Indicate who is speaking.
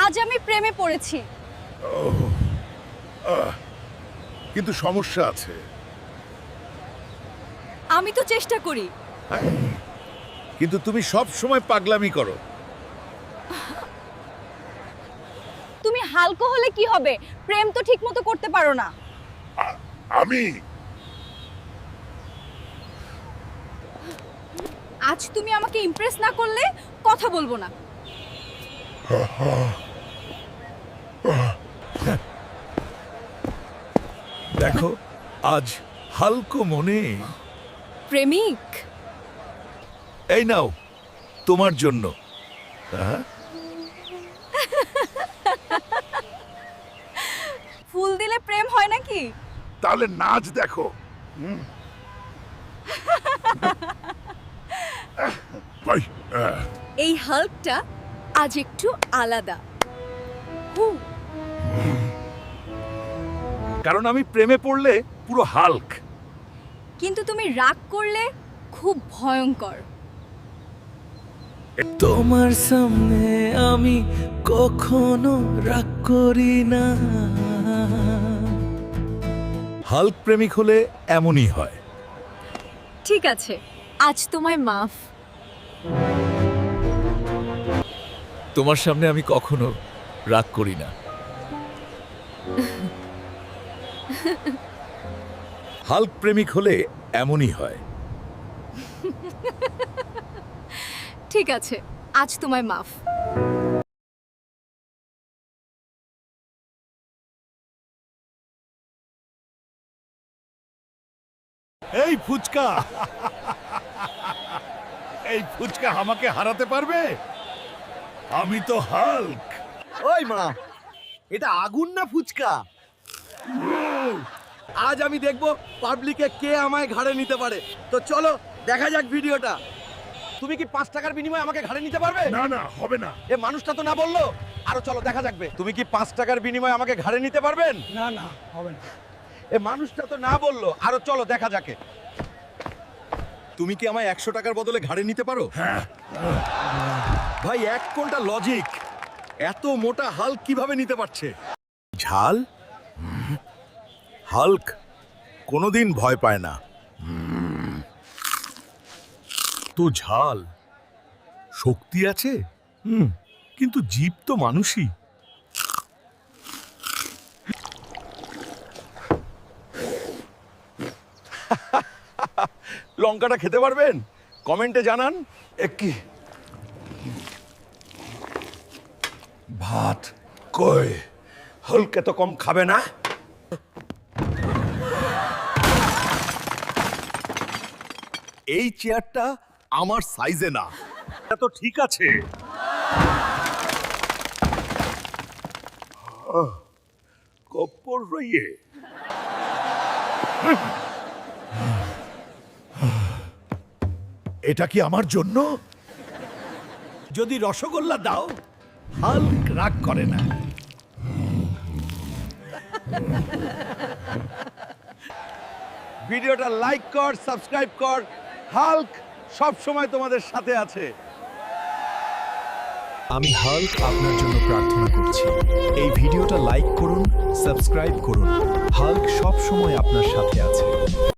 Speaker 1: আজ আমি প্রেমে পড়েছি।
Speaker 2: কিন্তু সমস্যা আছে।
Speaker 1: আমি তো চেষ্টা করি।
Speaker 2: কিন্তু তুমি সব সময় পাগলামি করো।
Speaker 1: তুমি হালকা হলে কি হবে? প্রেম তো ঠিকমতো করতে পারো না।
Speaker 2: আমি
Speaker 1: আজ তুমি আমাকে ইমপ্রেস না করলে কথা বলবো না।
Speaker 2: দেখো আজ হালকো মনে।
Speaker 1: প্রেমিক,
Speaker 2: এই নাও তোমার জন্য।
Speaker 1: ফুল দিলে প্রেম হয় নাকি?
Speaker 2: তাহলে নাচ দেখো।
Speaker 1: এই হাল্কটা আজ একটু আলাদা।
Speaker 2: কারণ আমি প্রেমে পড়লে পুরো হাল্ক।
Speaker 1: কিন্তু তুমি রাগ করলে খুব ভয়ঙ্কর।
Speaker 3: তোমার সামনে আমি কখনো রাগ করি না।
Speaker 2: হাল্ক প্রেমিক হলে এমনই হয়।
Speaker 1: ঠিক আছে, আজ তোমায় মাফ।
Speaker 2: তোমার সামনে আমি কখনো রাগ করি না। হাল্ক প্রেমিক হলে এমনই হয়।
Speaker 1: ঠিক আছে, আজ তোমায় মাফ।
Speaker 2: এই ফুচকা, এই ফুচকা আমাকে হারাতে পারবে? আমি তো হাল্ক।
Speaker 3: ওই মা, এটা আগুন না ফুচকা? আজ আমি দেখব পাবলিকে কে আমায় ঘাড়ে নিতে পারে। তো চলো দেখা যাক ভিডিওটা। তুমি কি 5 টাকার বিনিময়ে আমাকে ঘাড়ে নিতে পারবে?
Speaker 2: না না, হবে না।
Speaker 3: এ মানুষটা তো না বললো। আরো চলো দেখা যাকবে। তুমি কি 5 টাকার বিনিময়ে আমাকে ঘাড়ে নিতে পারবেন?
Speaker 4: না না, হবে না।
Speaker 3: এ মানুষটা তো না বললো। আরো চলো দেখা যাকে। তুমি কি আমায় 100 টাকার বদলে ঘাড়ে নিতে পারো?
Speaker 2: হ্যাঁ।
Speaker 3: ভাই এক কোনটা লজিক, এত মোটা হাল্ক কিভাবে নিতে পারছে?
Speaker 2: ঝাল? হাল্ক কোনোদিন ভয় পায় না। তো ঝাল শক্তি আছে, কিন্তু জীব তো মানুষই।
Speaker 3: লঙ্কাটা খেতে পারবেন? কমেন্টে জানান। কি
Speaker 2: ভাত কই?
Speaker 3: হাল্ক এত কম খাবে না।
Speaker 2: এই চেয়ারটা আমার সাইজে না। এটা তো ঠিক আছে। কপ্পর রইয়ে। এটা কি আমার জন্য? যদি রসগোল্লা দাও, হাল্ক রাগ করে না।
Speaker 3: ভিডিওটা লাইক কর, সাবস্ক্রাইব কর। হাল্ক সব সময় তোমাদের সাথে আছে।
Speaker 5: আমি হাল্ক আপনার জন্য প্রার্থনা করছি। এই ভিডিওটা লাইক করুন, সাবস্ক্রাইব করুন। হাল্ক সব সময় আপনার সাথে আছে।